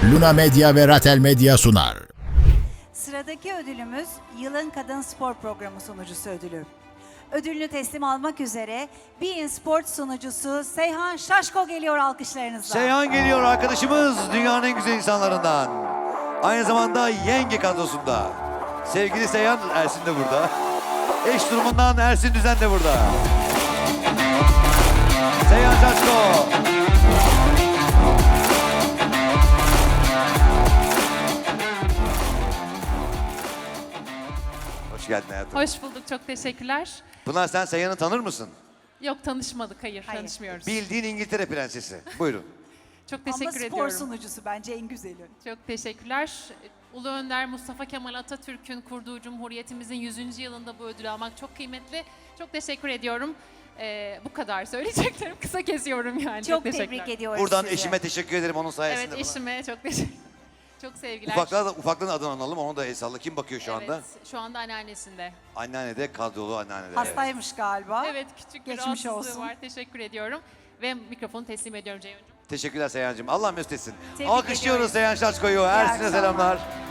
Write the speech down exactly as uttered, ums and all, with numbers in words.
Luna Medya ve Ratel Medya sunar. Sıradaki ödülümüz Yılın Kadın Spor Programı sunucusu ödülü. Ödülünü teslim almak üzere Bein Sport sunucusu Seyhan Şaşko geliyor alkışlarınızla. Seyhan geliyor arkadaşımız, dünyanın en güzel insanlarından. Aynı zamanda yenge kadrosunda. Sevgili Seyhan, Ersin de burada. Eş durumundan Ersin Düzen de burada. Seyhan Şaşko. Hoş geldin hayatım. Hoş bulduk, çok teşekkürler. Pınar, sen Seyhan'ı tanır mısın? Yok, tanışmadık, hayır, Hayır. tanışmıyoruz. Bildiğin İngiltere prensesi. Buyurun. Çok Ama teşekkür spor ediyorum. sunucusu bence en güzeli. Çok teşekkürler. Ulu Önder Mustafa Kemal Atatürk'ün kurduğu Cumhuriyetimizin yüzüncü yılında bu ödülü almak çok kıymetli. Çok teşekkür ediyorum. Ee, bu kadar söyleyeceklerim. Kısa kesiyorum yani. Çok teşekkürler. tebrik ediyoruz Buradan sizi. eşime teşekkür ederim onun sayesinde. Evet, bana. eşime çok teşekkür Çok sevgiler. Ufaklığa da, ufaklığın adını analım, onu da el salla. Kim bakıyor şu anda? Evet, şu anda anneannesinde. Anneanne de, kadrolu anneanne de. Hastaymış galiba. Evet, küçük bir Geçmiş rahatsızlığı olsun. var. Teşekkür ediyorum. Ve mikrofonu teslim ediyorum Ceyhuncuğum. Teşekkürler Seyhan'cığım. Allah mesut etsin. Tebrik Alkışlıyoruz ediyoruz. Seyhan Şaşko'yu. Ersin'e akşamlar. selamlar.